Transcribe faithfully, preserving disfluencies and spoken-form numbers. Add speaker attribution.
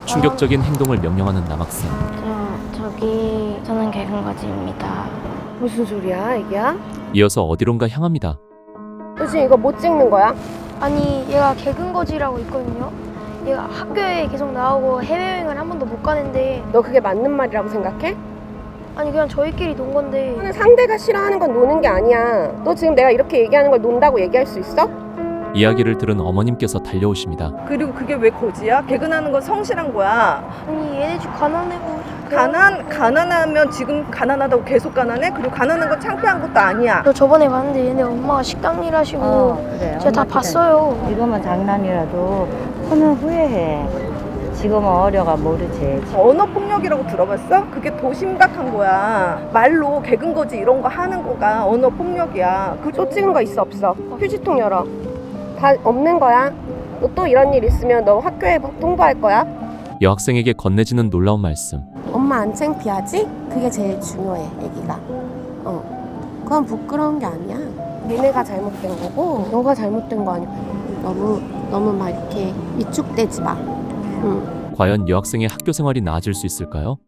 Speaker 1: 충격적인 행동을 명령하는 남학생.
Speaker 2: 저, 저기 저는 개근거지입니다.
Speaker 3: 무슨 소리야, 애기야?
Speaker 1: 이어서 어디론가 향합니다.
Speaker 3: 너 지금 이거 못 찍는 거야?
Speaker 4: 아니 얘가 개근거지라고 있거든요. 얘가 학교에 계속 나오고 해외여행을 한 번도 못 가는데
Speaker 3: 너 그게 맞는 말이라고 생각해?
Speaker 4: 아니 그냥 저희끼리 논 건데
Speaker 3: 너는 상대가 싫어하는 건 노는 게 아니야. 너 지금 내가 이렇게 얘기하는 걸 논다고 얘기할 수 있어?
Speaker 1: 이야기를 들은 어머님께서 달려오십니다.
Speaker 5: 그리고 그게 왜 거지야? 개근하는 건 성실한 거야.
Speaker 4: 아니 얘네 집 가난해고
Speaker 5: 가난 가난하면 지금 가난하다고 계속 가난해? 그리고 가난한 건 창피한 것도 아니야.
Speaker 4: 저 저번에 봤는데 얘네 엄마가 식당 일 하시고
Speaker 6: 어, 그래.
Speaker 4: 제가 다
Speaker 6: 엄마
Speaker 4: 봤어요.
Speaker 6: 이거만 장난이라도 크면 후회해. 지금은 어려가 모르지.
Speaker 5: 언어 폭력이라고 들어봤어? 그게 더 심각한 거야. 말로 개근 거지 이런 거 하는 거가 언어 폭력이야. 그
Speaker 3: 또 찍은 거 있어, 없어? 휴지통 열어. 다 없는 거야. 너 또 이런 일 있으면 너 학교에 통보할 거야?
Speaker 1: 여학생에게 건네지는 놀라운 말씀.
Speaker 7: 엄마 안 창피하지? 그게 제일 중요해, 애기가. 어, 그건 부끄러운 게 아니야. 니네가 잘못된 거고, 너가 잘못된 거 아니야. 너무 너무 막 이렇게 위축되지 마. 응.
Speaker 1: 과연 여학생의 학교 생활이 나아질 수 있을까요?